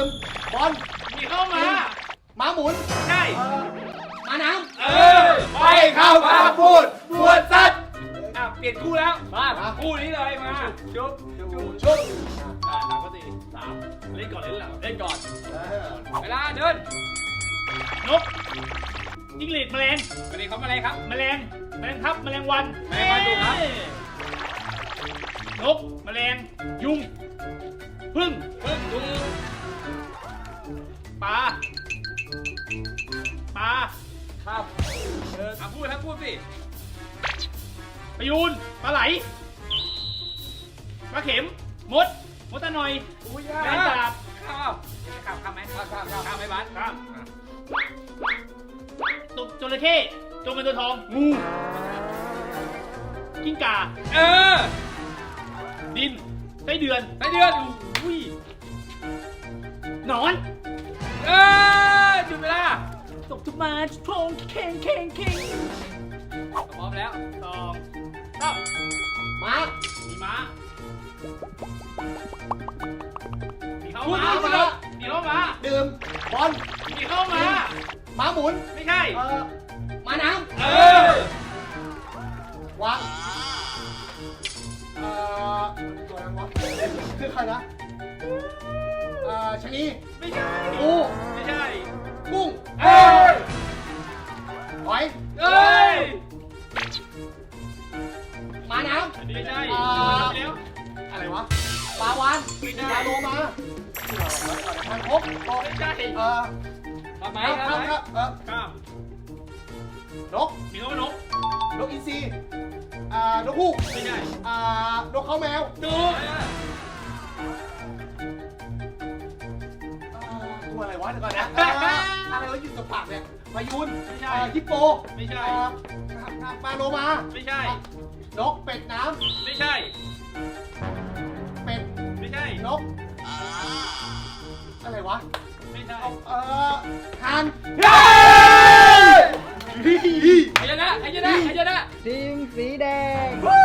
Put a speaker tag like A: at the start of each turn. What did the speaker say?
A: บอล
B: มีเข้ามา
A: ม้าหมุน
B: ใช่
A: ม้าน้
B: ไปเข้ามาพูดปวดสัตว์เปลี่ยนคู่แล้ว
A: ำ
B: คู่นี้เลยมาชุบ
A: ชุบ
B: สามก็สี่สามเล่นก่อนเล่นหลังเล่นก่อนเวลาเดินนกจิ้งหรีดแมลงวันนี้เขาแมลงครับแมลงทับแมลงวันแมลงวันดูครับนกแมลงยุงพึ่งยุงปลาครับพูดสิปลายูนปลาไหลปลาเข็มมดตะหน่อยแมงสาบข้ามไหมข้ามไหมบ้านข้ามตุกจระเข้จงเป็นตัวทองงูกิ้งก่าดินไส้เดือนอุ้ยหนอนจุดเวลาตกทุกมาโชงเข่งพร้อมแล้ว2
A: ม้า
B: มีม้ามีเข้า
A: พูด
B: มา
A: พูดแล้ว
B: มีเข้ามา
A: ดื่มบอล
B: มีเข้ามา
A: ม้าหมุน
B: ไม่ใช่
A: ม้าน้
B: อ
A: ำวางตัวนั้นวะคือใครนะชะนี
B: ไม่ใช่
A: ปู
B: ไม่ใช่
A: กุ้งหอย
B: เอ้ย
A: ม้าน้
B: ไม่ใช่
A: ำ
B: แล้ว
A: อะไรวะปลาวาน
B: ไม่ใช่
A: ปลาโลมาทางคก
B: ไม่ใช่ทำไหม
A: ครับ
B: ข้าม
A: นก
B: มีเข้ามานก
A: นกอินทรีนกฮูก
B: ไม่ใช่
A: นกเขาแมว
B: ดู
A: ตัวอะไรวะเดี๋ยวก่อนนะอะไรวะอยู่กับปากเนี่ยพายุน
B: ไม่ใช่
A: ฮิปโป
B: ไม่ใช่
A: ปลาโลมา
B: ไม่ใช่
A: นกเป็ดน้
B: ไม่ใช่
A: ำเป็ด
B: ไม่ใช่
A: นกอะไรวะ
B: ไม่ใช่
A: ห่าน
B: ใครชนะ
C: ทีมสีแดง
A: เฮ้